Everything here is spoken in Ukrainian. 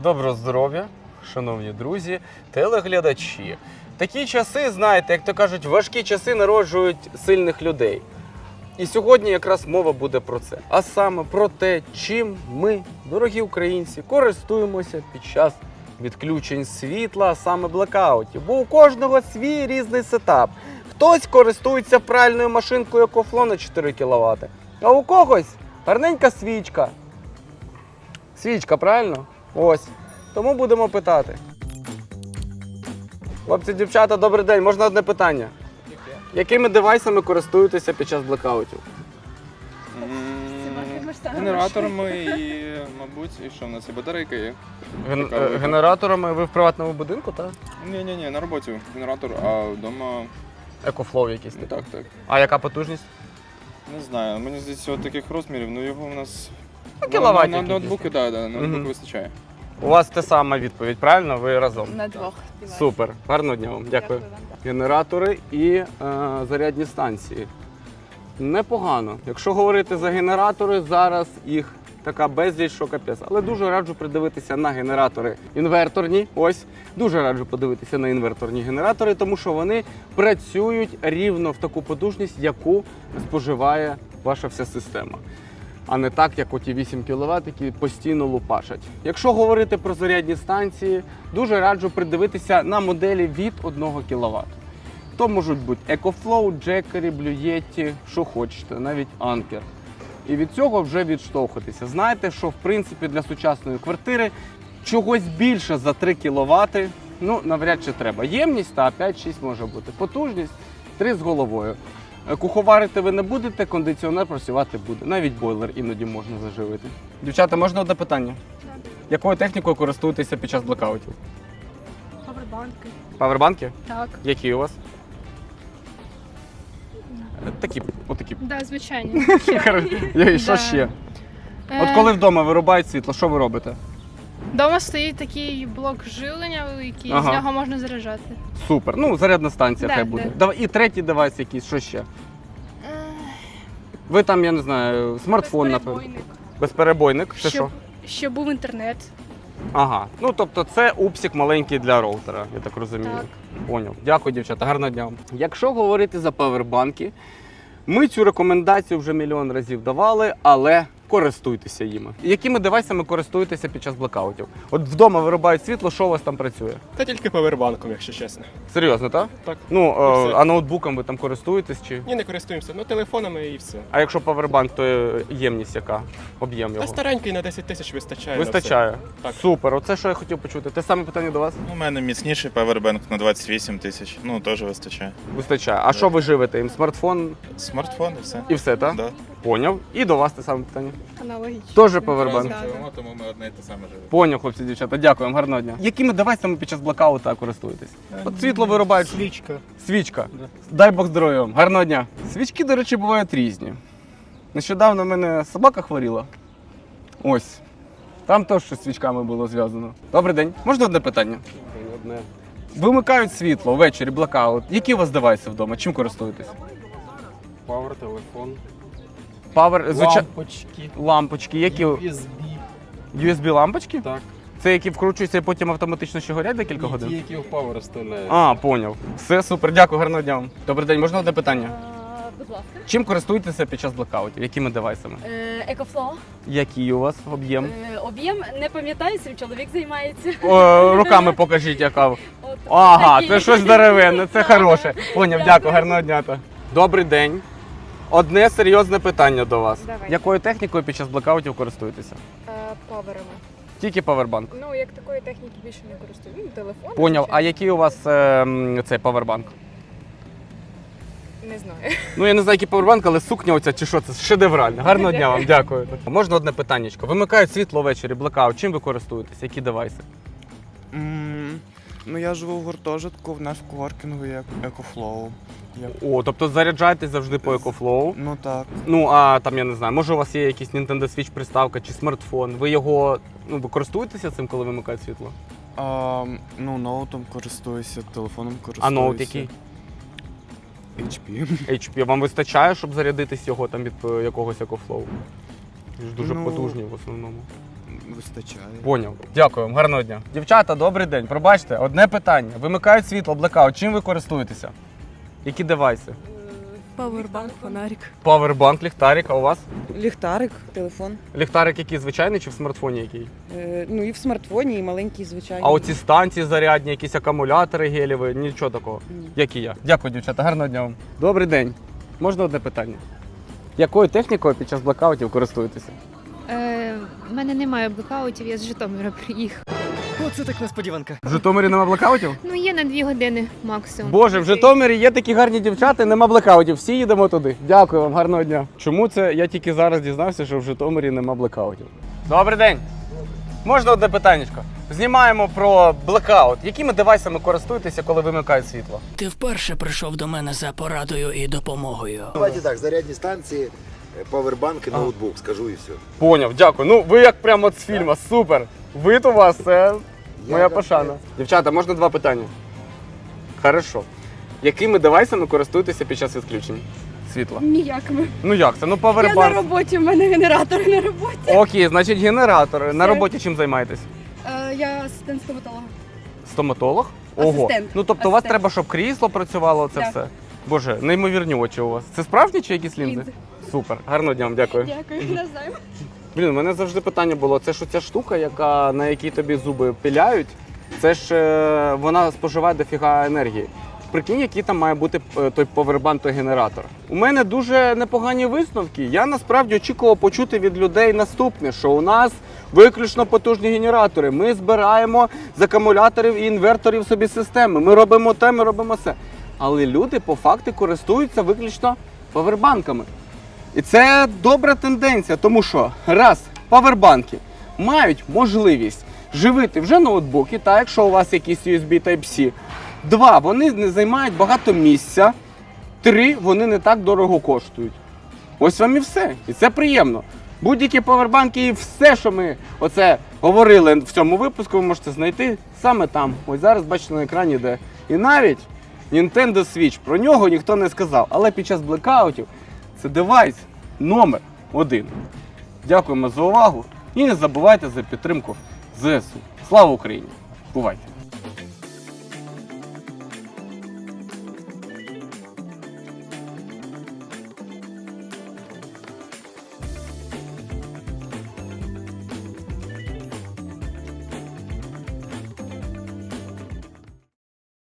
Доброго здоров'я, шановні друзі, телеглядачі. Такі часи, знаєте, як то кажуть, важкі часи народжують сильних людей. І сьогодні якраз мова буде про це. А саме про те, чим ми, дорогі українці, користуємося під час відключень світла, а саме блекаутів. Бо у кожного свій різний сетап. Хтось користується пральною машинкою EcoFlow на 4 кВт, а у когось гарненька свічка. Свічка, правильно? Ось. Тому будемо питати. Хлопці, дівчата, добрий день. Можна одне питання? Якими девайсами користуєтеся під час блекаутів? Генераторами і, мабуть, і що в нас є? Батарейка є. Генераторами ви в приватному будинку, так? Ні, на роботі генератор, а вдома... EcoFlow якийсь? Так. А яка потужність? Не знаю, мені здається, таких розмірів, ну його у нас... Кіловатів На ноутбуки, так, на ноутбуки вистачає. У вас те сама відповідь, правильно? Ви разом? На двох. Супер. Гарного дня вам. Дякую. Вам. Генератори і зарядні станції. Непогано. Якщо говорити за генератори, зараз їх така безліч, що капець. Але дуже раджу придивитися на генератори інверторні. Ось. Дуже раджу подивитися на інверторні генератори, тому що вони працюють рівно в таку потужність, яку споживає ваша вся система. А не так, як оті 8 кВт, які постійно лупашать. Якщо говорити про зарядні станції, дуже раджу придивитися на моделі від 1 кВт. То можуть бути EcoFlow, Jackery, Blue Yeti, що хочете, навіть Anker. І від цього вже відштовхуватися. Знаєте, що в принципі для сучасної квартири чогось більше за 3 кВт, ну, навряд чи треба. Ємність, та 5-6 може бути. Потужність 3 з головою. Куховарити ви не будете, кондиціонер працювати буде. Навіть бойлер іноді можна заживити. Дівчата, можна одне питання? Так. Якою технікою користуєтеся під час блекаутів? Павербанки. Павербанки? Так. Які у вас? Такі, отакі. Да, звичайно. І що ще? От коли вдома вирубають світло, що ви робите? Дома стоїть такий блок живлення великий, Ага. з нього можна заряджати. Супер. Ну, зарядна станція Да, хай буде. І третій девайс якийсь, що ще? Ви там, я не знаю, смартфон, напевно. Безперебойник. Безперебойник. Це що? Щоб був інтернет. Ага. Ну, тобто це упсік маленький для роутера, я так розумію. Так. Поняв. Дякую, дівчата. Гарного дня вам. Якщо говорити за павербанки, ми цю рекомендацію вже мільйон разів давали, але користуйтеся їми. Якими девайсами користуєтеся під час блекаутів? От вдома вирубають світло, що у вас там працює? Та тільки павербанком, якщо чесно. Серйозно, так? Так. Ну, все. а ноутбуком ви там користуєтесь чи? Ні, не користуємося, ну телефонами і все. А якщо павербанк, то ємність яка? Об'єм Та його? старенький на 10 тисяч вистачає. на Вистачає. Так. Супер. Оце що я хотів почути. Те саме питання до вас? У мене міцніший павербанк на 28 тисяч. Ну, теж вистачає. Вистачає. А що ви живете? Їм смартфон Смартфон і все. і все, так? Да. Поняв. І до вас те саме питання. Аналогічно. Теж павербанк. Да. Тому ми одне і те саме живемо. Поняв, хлопці, дівчата. Дякую вам, гарного дня. Якими девайсами під час блекаута користуєтесь? От світло вирубають. Свічка. Свічка. Дай Бог здоров'я вам. Гарного дня. Свічки, до речі, бувають різні. Нещодавно в мене собака хворіла. Ось. Там теж щось з свічками було зв'язано. Добрий день. Можна одне питання? Одне. Вимикають світло ввечері, блекаут. Які у вас девайси вдома? Чим користуєтесь? Павер, телефон, Павер, лампочки, лампочки. Які? USB, USB-лампочки? так. Це які вкручуються і потім автоматично ще горять декілька Ті, годин? які в Power вставляють. А, поняв. Все, супер, дякую, гарного дня вам. Добрий день, можна одне питання? Будь ласка. Чим користуєтеся під час блекаутів? Якими девайсами? Екофлоу. Який у вас об'єм? Об'єм не пам'ятаю, цим чоловік займається. Руками покажіть, яка. От, Ага, такі. це щось деревинне, це хороше. Поняв, дякую, гарного дня. Добрий день. Одне серйозне питання до вас. Давай. Якою технікою під час блекаутів користуєтеся? Паверами. Тільки павербанк. Ну, як такої техніки більше не користую. Ну, телефон. Поняв. А який у вас цей павербанк? Не знаю. Ну, я не знаю, який павербанк, але сукня оця чи що, це шедеврально. Гарного дня вам, дякую. Можна одне питаннячко? Вимикають світло ввечері, блекаут. Чим ви користуєтесь? Які девайси? Ну я живу в гуртожитку, в нас в коворкінгу є EcoFlow. О, тобто заряджаєтесь завжди по EcoFlow. Ну так. Ну, а там, я не знаю, може у вас є якийсь Nintendo Switch приставка чи смартфон. Ви його, ви користуєтеся цим, коли вимикають світло? Ну, ноутом користуюся, телефоном користуюся. А ноут який? HP. HP. Вам вистачає, щоб зарядитись його там від якогось EcoFlow? Ж дуже Ну, потужні в основному. Вистачає. Поняв. Дякую вам, гарного дня. Дівчата, добрий день. Пробачте, одне питання. Вимикають світло, блекаут. Чим ви користуєтеся? Які девайси? Павербанк, фонарик. Павербанк, ліхтарик, а у вас? Ліхтарик, телефон. Ліхтарик який звичайний чи в смартфоні який? Ну і в смартфоні, і маленький, звичайно. А оці станції зарядні, якісь акумулятори гелєві, нічого такого. Ні. Як і я. Дякую, дівчата, гарного дня вам. Добрий день. Можна одне питання? Якою технікою під час блекаутів користуєтеся? У мене немає блекаутів, я з Житомира приїхав. Оце так несподіванка. В Житомирі нема блекаутів? Ну, є на 2 години максимум. Боже, в Житомирі є такі гарні дівчата, нема блекаутів. Всі їдемо туди. Дякую вам, гарного дня. Чому це я тільки зараз дізнався, що в Житомирі нема блекаутів? Добрий день. Можна одне питаннячко? Знімаємо про блекаут. Якими девайсами користуєтеся, коли вимикають світло? Ти вперше прийшов до мене за порадою і допомогою. Давайте так, зарядні станції, павербанк і ноутбук, скажу і все. Поняв, дякую. Ну, ви як прямо з фільму, супер. Вид у вас, це моя пошана. Дівчата, можна 2 питання? Хорошо. Якими девайсами користуєтеся під час відключень світла? Ніякими. Ну як це? Ну Я на павербанк. роботі, в мене генератор на роботі. Окей, значить генератори. На Все. роботі чим займаєтесь? Я асистент стоматолога. Стоматолог? Ого. Асистент. Ну тобто у вас Асистент. треба, щоб крісло працювало, це Так. все. Боже, неймовірні очі у вас. Це справжні чи якісь лінзи? Лінзи. Супер. Гарного дня вам, дякую. Дякую, не знаю. Блін, у мене завжди питання було, це ж оця штука, на якій тобі зуби пиляють, це ж вона споживає дофіга енергії. Прикинь, який там має бути той повербанк, той генератор. У мене дуже непогані висновки. Я насправді очікував почути від людей наступне, що у нас виключно потужні генератори. Ми збираємо з акумуляторів і інверторів собі системи. Ми робимо те, ми робимо все. Але люди по факту користуються виключно павербанками. І це добра тенденція, тому що раз, павербанки мають можливість живити вже ноутбуки, та якщо у вас якісь USB Type-C. 2, вони не займають багато місця. 3, вони не так дорого коштують. Ось вам і все. І це приємно. Будь-які павербанки і все, що ми оце говорили в цьому випуску, ви можете знайти саме там. Ось зараз бачите на екрані де. І навіть Nintendo Switch, про нього ніхто не сказав. Але під час блекаутів це девайс номер 1. Дякуємо за увагу і не забувайте за підтримку ЗСУ. Слава Україні! Бувайте!